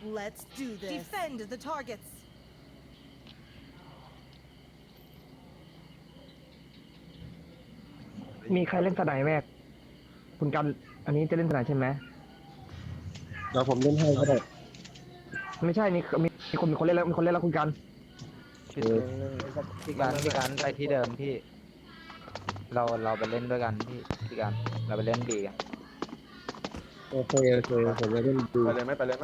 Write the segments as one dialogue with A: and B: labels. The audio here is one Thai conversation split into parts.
A: Let's do this. Defend the targets.
B: มีใครเล่นสไนแม็กคุณกันอันนี้จะเล่นสไนใช่ไหม
C: เดี๋ยวผมเล่นให้ก็ได้
B: ไม่ใช่มีคนเล่นแล้วมีคนเล่นแล้วคุณกัน
D: พี่การไปที่เดิมพี่เราไปเล่นด้วยกันพี่การเราไปเล่นบีกัน
C: โอเคผมจะเล่นดู
E: ไปเลยไหม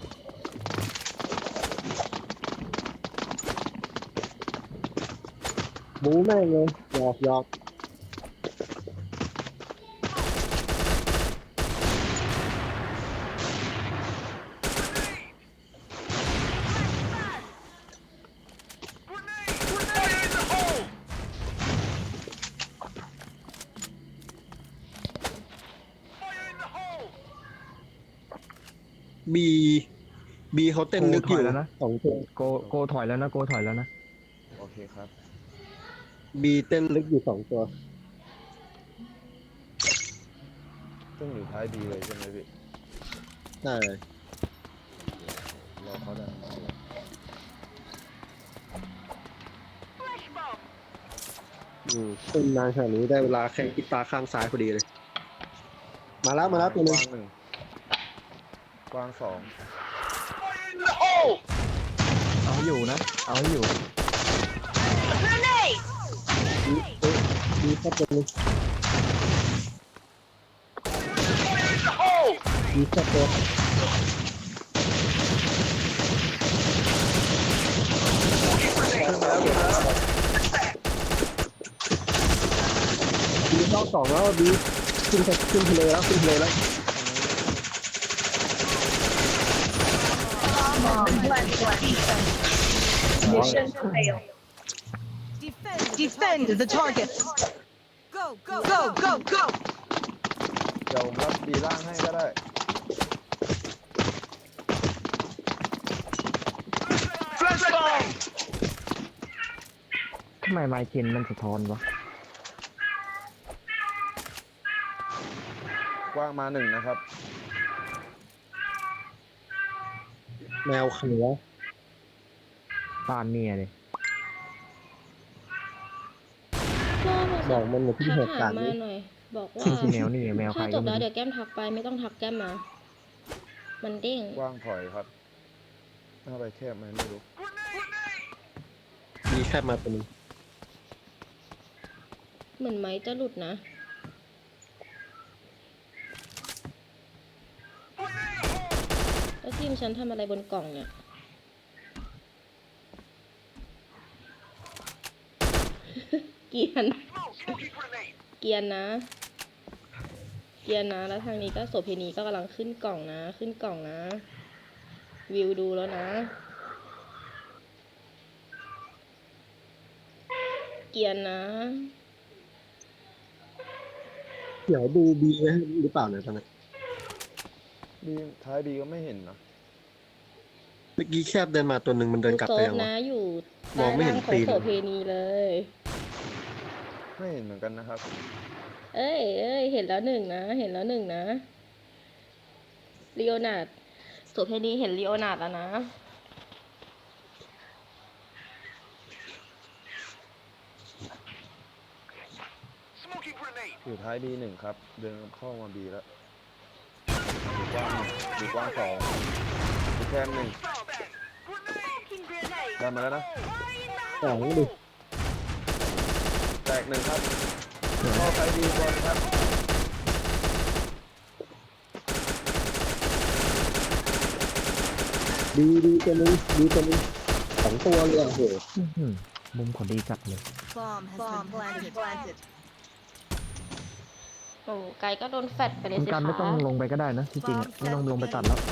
C: บู๊แม่งเลยหยอก บีเขาเต้นลึกอยู่นะสองตัว
B: โกถอยแล้วนะโกถอยแล้วนะ
E: โอเคครับ
C: บีเต้นลึกอยู่สองตัว
E: ซึ่งอยู่ท้ายดีเลยใช่ไหมพี่
C: ใช่
E: รอเขาได้
C: เต้นนานขนาดนี้ได้เวลาแข่งกีตาร์ข้างซ้ายพอดีเลย มาแล้วตัวนึง
E: กว้างหนึ่งกว้างสอง
B: เอาให้อยู่นะเอาให้อยู่
C: บีแค่ตัวนึงบีแค่ตัวบีรอบสองแล้วบีขึ้นทะเลแล้ว
A: Mission failed. Defend the targets. Go.
E: เดี๋ยวผมรับบีล่างให้ก็ได้
B: ทำไมไมค์เคนมันสะท้อนวะ
E: กว้างมาหนึ่งนะครับ
C: แมวเขียว
B: บ้านเมียเลย
C: บอกมันอยู่ที่เหตุการณ์
F: มา
C: นี้
F: หน่อย บอกว่า
B: ที่แมวนี่แมวใคร
F: ถ้าจ
B: ก็
F: บ
B: ไม่
F: แล้ว
B: รู้
F: เดี๋ยวแก้มทักไปไม่ต้องทักแก้มมา มันเด้ง
E: กว้างถอยครับหน้าไปแคบไหมไม่รู้
C: มีแค่มาตัวนึง
F: เหมือนไม้จะหลุดนะ แล้วทีมฉันทำอะไรบนกล่องเนี่ย เกรียนนะ เกรียนนะ แล้วทางนี้ก็โสเพณีก็กำลังขึ้นกล่องนะ วิวดูแล้วนะ เกรียนนะ
C: เดี๋ยวดูบีไว้ให้หรือเปล่าเนี่ยตอนนี้
E: บีท้ายบีก็ไม่เห็นนะ
C: เมื่อกี้แคบเดินมาตัวหนึ่งมันเดินกลับ
F: โซ
C: ไป
F: ฟ
C: ยังวะ
F: นะอยู่
C: มองไม่เห็น
F: ใต้
C: ตี
F: ล่าง
C: น
F: ของโสเพณีเลย
E: ไม่เห็นเหมือนกันนะครับ
F: เอ้ยเห็นแล้วหนึ่งนะลีโอนาร์ดโสเพณีเห็นลีโอนาร์ดแล้วนะ
E: อยู่ท้ายบีหนึ่งครับ เดินเข้ามาบีแล้วอยู่กว้างสองอยู่แคบหนึ่งได้มาแล้วนะ
C: สองดิ
E: แตกหนึ่งครับเข้าท้ายบีบอลครับ
C: ดีตัวหนึงสองตัวเลยอ่ะโห
B: อื้อหือมุมขอดีจัดเลย
A: Bomb has been planted.
F: โอ้ไกก็โดนแฟดไปเลย
B: คุณ
F: สิ
B: กันไม่ต้อง
F: คะ
B: ลงไปก็ได้นะที่จริงอะไม่ต้องลงไปตัดแล้ว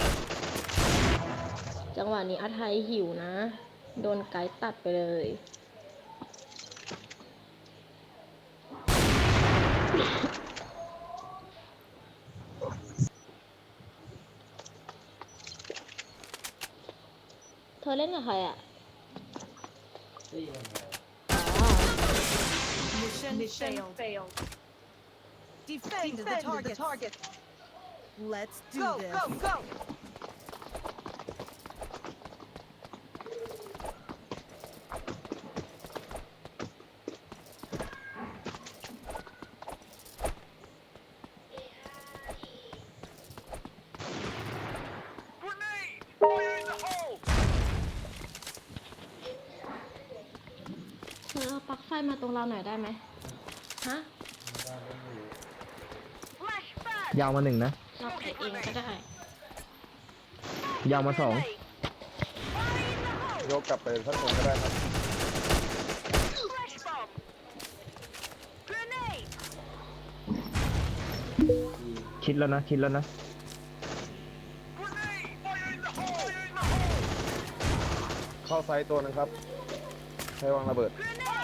F: จังหวะนี้อาไทยหิวนะ โดนไกด์ตัดไปเลย เธอเล่นกับใครอ่ะ
A: Mission failed. Defend the targets. Let's do this. Go.
F: ไฟมาตรงเราหน่อยได้ไหมฮะ
B: ยาวมา1นะ
F: เราไปเองก็ได้
B: ยาวมา2
E: ยกกลับไปสักคนก็ได้ครับ
B: ชิดแล้วนะชิดแล้วนะ
E: เข้าไซต์ตัวหนึงครับใช้วางระเบิด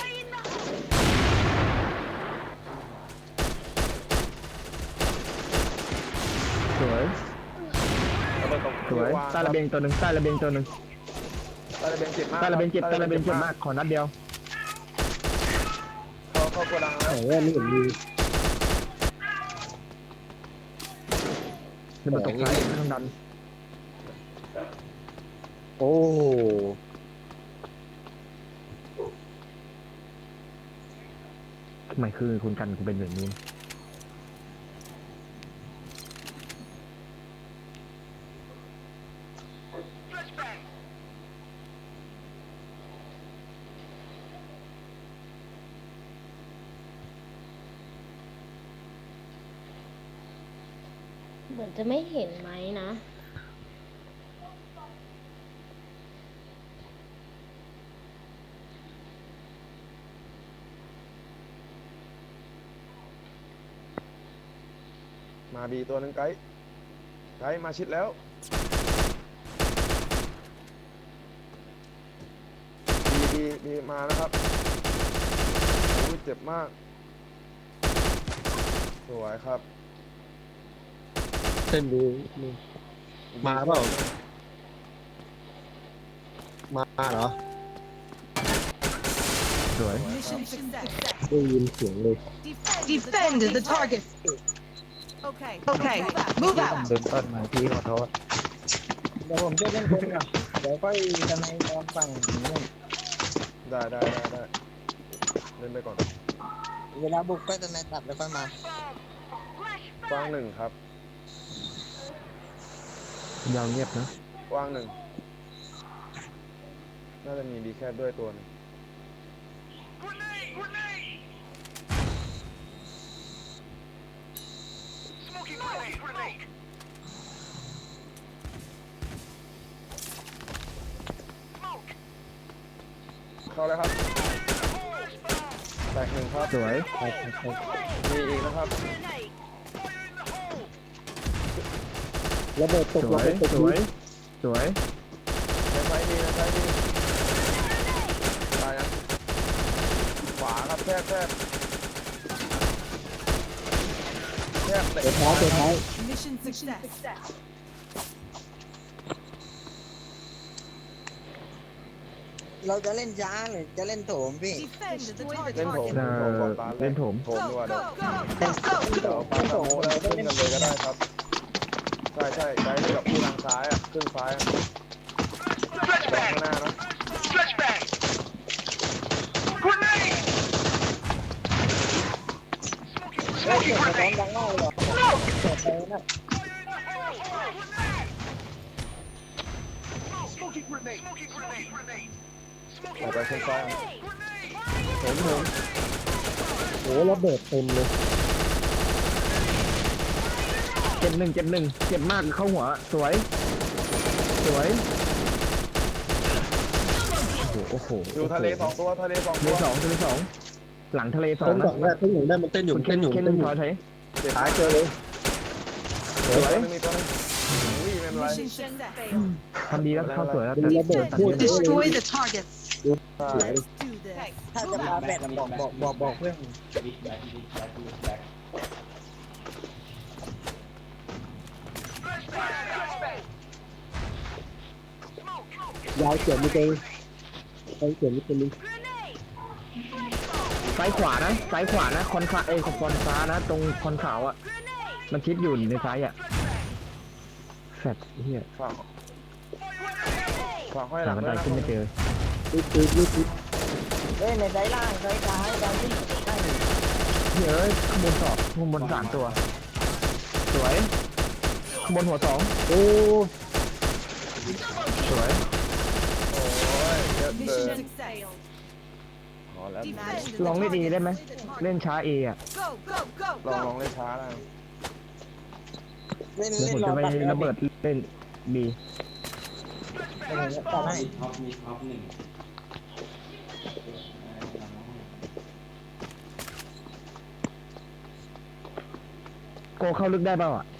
B: สวย
E: ระเบิดตก
B: สวย
E: วาง
B: ใต้ระเบียงตัวหนึ่งใต้ระเบียงตัวหนึ่ง
E: ใต้ระเบียงเจ็บมาก
B: ใต้ระเบียงเจ็บ
E: ค
B: ใต้ระเบียงเจ็บมากขอนัดเดียว
E: เข้าโกดังแล้ว
C: โอ้ไม่เห็นมี
B: ระเบิดตกซ้ายไม่ต้องดัน
C: โอ้
B: ทำไมคือคุณกันเป็นแบบนี้
F: เหมือนจะไม่เห็นไหมนะ
E: มาบีตัวหนึงไกด์มาชิดแล้วบีมานะครับโอ้ยเจ็บมากสวยครับ
C: เส้นดูมาเปล่ามาเหรอ
B: สวย
A: Mission success.
C: ได้ยินเสียงเลย
A: Defend the target. Okay. Okay. Move
D: ผม
A: out.
D: เดินต้นมาพี่ขอโทษ
G: เดี๋ยวผมจะเล่นคนก่อนเดี๋ยวค่อยจะในตอนฝั่งนู้น
E: ได้เล่นไปก่อน
G: เวลาบุกก็จะในตัดแล้วค่อยมา
E: กว้างหนึ่งครับ
B: ยาวเงียบนะ
E: กว้างหนึ่งน่าจะมีบีแคบด้วยตัวหนึงเข้าแล้วครับแตกหนึ่งครับ
B: สวย
E: มีอีกนะครับ
C: ระเบิดตก
B: ส
C: ระ
B: วย
C: เบิดตก
B: สวยสวย
E: ในไซด์ดีตายนะขวาครับแคบเตะ
C: ท้ายตัวท้าย
A: Mission success.
G: เราจะเล่นช้าหรือจะเล่นโถมพี่
A: Defend the
E: เล่นโถม
A: target.
B: เล่นโถม
E: โถมดีกว่า
A: Go,
E: เดี๋ยว
A: go, go.
E: เดี๋ยวปาสโมแล้วขึ้นกันเลยก็ได้ครับ ใช่ไกด์กับผู้ทางซ้ายอ่ะขึ้นซ้ายอ่ะวางข้างหน้านะ
G: เฮ้ยเสียงสะท้อนดังมากเลยเหรอเปิดไปนะ
E: ไปขึ้นซ้ายอ่ะ
C: โอ้ระเบิดเต็มเลย
B: เจ็บหนึ่งเจ็บมากเข้าหัวสวยสวยโอ้โห
E: อยู่ทะเลสองตัวทะเลสอง
B: ทะ
E: ตั
B: เล
E: ว
B: สองทะเลสองหลังทะเลสอ
C: ต้
B: ง
C: น
B: นะ
C: ดอกแรกต้นหนึ่งได้มันเต้นอยู่เต้นอยู่
B: เคน
C: เต้นอยู่
B: ถอย
E: เจ็บ
C: หายเจอเลย
B: สวย
E: มีตัวนึงอุ้ยไม่เป็นไร
A: Mission success.
B: ทำดีแล้วเข้าสวยแล้ว
C: ระเบิดพูด
A: Destroy the targets.
E: ใช่
A: Let's do this.
G: ถ้าจะมาแบตบอกเพื่อน
C: ยาวเฉียดมีเต็งเฉียดมีเต็ง
B: ซ้ายขวานะคอนฟ้าคอนฟ้านะตรงคอนขาวอ่ะมันชิดอยู่ในซ้ายอ่ะแฟดเฮีย
E: ฝากห้อยห
B: หา
E: ลัง
B: มัน
E: ด้ว
B: ได้
E: ยนะ
B: ขึ้นไม่เจอ
C: รีบ
G: เฮ้ยในไซส์ล่างไซส์ซ้ายดาวที่ใกล้
B: เฮ้ยข้างบนสอบข้างบนสามตัวสวยข้างบนหัวสอง
C: โอ้
B: สวย
E: โอ้ยเยอะเกิ
A: Mission
E: น
A: success.
E: อ๋อแล้ว
A: Defend the
B: ลองเล่นเอ
A: target.
B: ได้ไหมเล่นช้าเออ่ะ
A: Go, go, go,
E: ลอง
A: go.
E: เล่นช้าแล้ว
G: เล่น
B: เดี๋ยว
G: เล่
B: ผม
G: นรอ
B: จะไป
G: ตัด
B: ระเบิดเล่นบี
G: ตัดให้
B: โกเข้าลึกได้เปล่าอ่ะ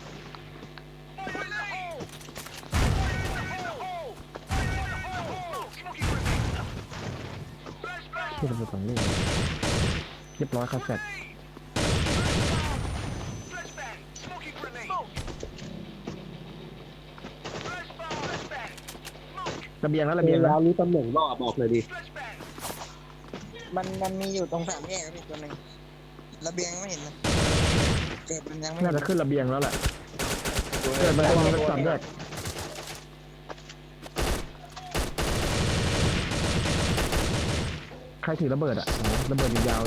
B: ที่ระเบิดสองลูกเรียบร้อยครับเสร็จระเบียงแล้วระเบียง
C: แล้
B: แล้ว ว
C: รู้ตำแหน่งรอบบอกเลยดิ
G: มันมีอยู่ตรงสามแยกมีตัวหนึ่งระเบียงไม่เห็นนะเกิดมันยังไม่
B: น่าจะขึ้นระเบียงแล้วแหละ
E: ดู
B: เกิดมัน
E: ใน
B: จะมี
E: ตัว
B: สามแยกใครถือระเบิดอ่ะอ๋อระเบิดยาวๆเลย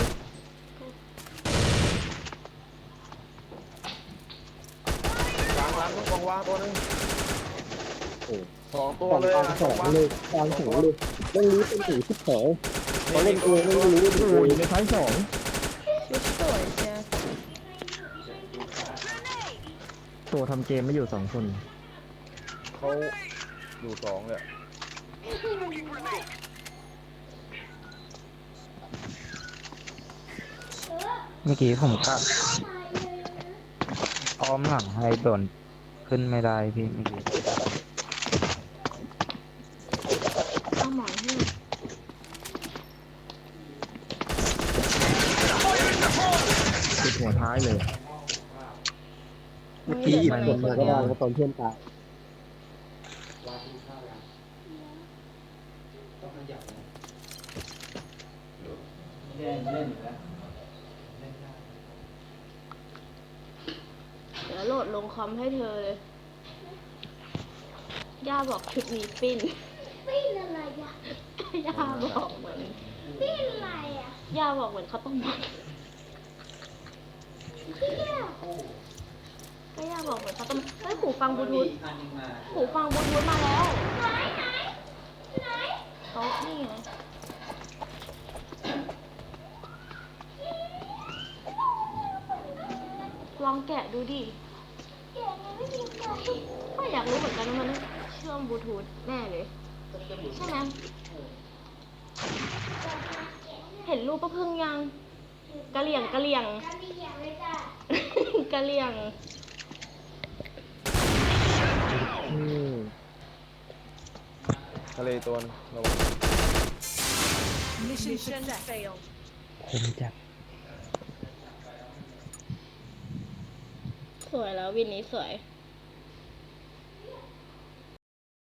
E: ล้างต้องวางตัวนึงสองตัว
C: กอง
E: เลย
C: กลาง
E: นะ
C: สองเลยกลางสองเลยต้องรู้เป็นถึงที่สองเขาเล่นเองไม่รู้ว่า
B: โอ้ยในท้ายสอง
F: ชุดสวยเชียว
B: ตัวทำเกมไม่อยู่สองคน
E: เขาอยู่สองเลย
D: เมื่อกี้ผมกัดอ้อมหลังให้โดนขึ้นไม่ได้พี่เมื่อกี้
F: เอาหมอนให้
B: ติดหัวท้ายเลย
C: เมื่อกี้หยิบกดมาก็ได้ตอนเพื่อนตาย
F: เดี๋ยวโหลดลงคอมให้เธอเลย ย่าบอกชุดนี้ปิ้น ปิ้นอะไรย่าย่าบอกเหมือนปิ้นอะไรอ่ะ ย่าบอกเหมือนเขาวต้องมัดก็ย่าบอกเหมือนเขาวต้องเฮ้ยหูฟังบลูทูธหูฟังบลูทูธมาแล้วไหนโต๊ะนี่ไงลองแกะดูดิก็อยากรู้เหมือนกันว่ามันเชื่อมบลูทูธแน่เลย ใช่ไหมเห็นรูปป้าพึ่งยังกะเหลี่ยงกะเหลี่ยงกะเหลี่ยง
E: ทะเลตัวนึงระวัง
A: Mission failed.
B: คมจัด
F: สวยแล้ววินนี้สวย